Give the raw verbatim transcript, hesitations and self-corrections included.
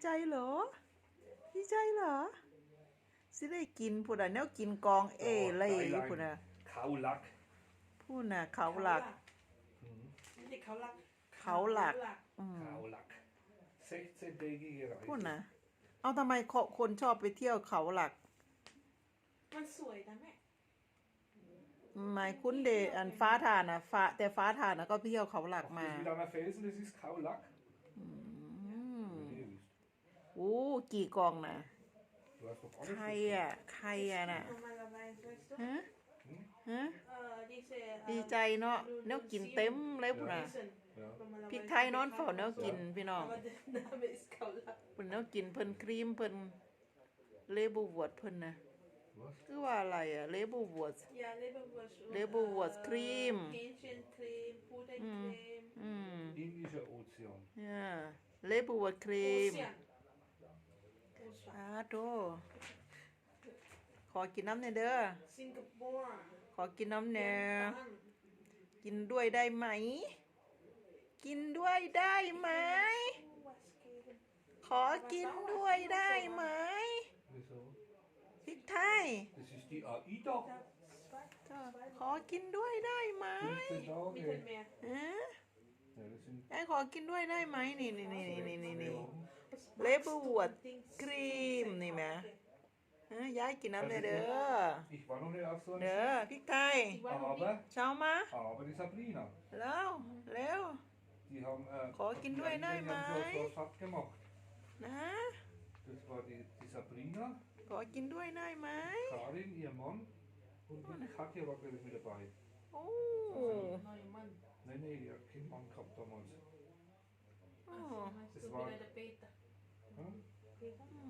ใจเหรอดีใจเหรอสิได้กินพูดอ่ะแนวกินกองเอเลยพูดอ่ะ Kaulak. พูดน่ะเขาหลักไม่ใช่เขาหลักเขาหลัก อืม Kaulak. sechzehntägige พูด Reise. นะเอาทำไมคนชอบไปเที่ยวเขาหลักมันสวยนะแม่ไม่คุ้นเดอันฟ้าทานนะฟ้าแต่ฟ้าทานนะก็ไปเที่ยวเขาหลัก Auf มา das Wilaner Felsen, das ist Kaulak. อืม Nee, das- โอ้กี่กองนะ Du hast doch ใคร alles อ่ะใครอ่ะน่ะ normalerweise weißt du ฮะฮะเอ่อ diese ดีใจเนาะแนวกินเต็มเลยพุ่นน่ะ Ja. พริกไทยนอนเฝ้าแนวกินพี่น้อง aber der Name ist Kaulak เพิ่นแนวกินเพิ่นครีมเพิ่นเลบูวอดเพิ่นนะ Was? คือว่าอะไรอ่ะเลบูวอด ja Leberwurst und, Leberwurst, äh, Creme. Hähnchencreme Pudencreme อืม Indischer Ozean. เนี่ยเลบูวอดครีม Ozean Ozean อาโตขอกินน้ำหน่อยเด้อ Singapore ขอกินน้ำแหน่ Vietnam กินด้วยได้ไหม กินด้วยได้ไหม was geben ขอกินด้วยได้ไหม Wieso? พริกไทย Das ist die AIDA. da zwei ก็ขอกินด้วยได้ไหม fünfzehn Tage. Mittelmeer ฮะ Ja, das sind ไอ้ขอกินด้วยได้ไหมนี่นี่นี่นี่นี่นี่ Was Leberwurst magst du Dings? Creme นี่แหม ฮะยายกินน้ำหน่อยเด้อ Ich war noch nicht auf so เด้อ einem พริกไทย Die waren noch Aber, เช้ามา aber die Sabrina, แล้วเร็ว die haben, äh, ขอกินด้วยได้ไหม die haben so, so satt gemacht. นะ Das war die, die Sabrina, ขอกินด้วยได้ไหม Karin, ihr Mann und die Katja war glaube ich mit dabei. โอ้ Neue Mann Nein, nein, die hat keinen Mann gehabt damals. โอ้ Ach so, meinst Das du war- wieder der Peter Hm? Peter อื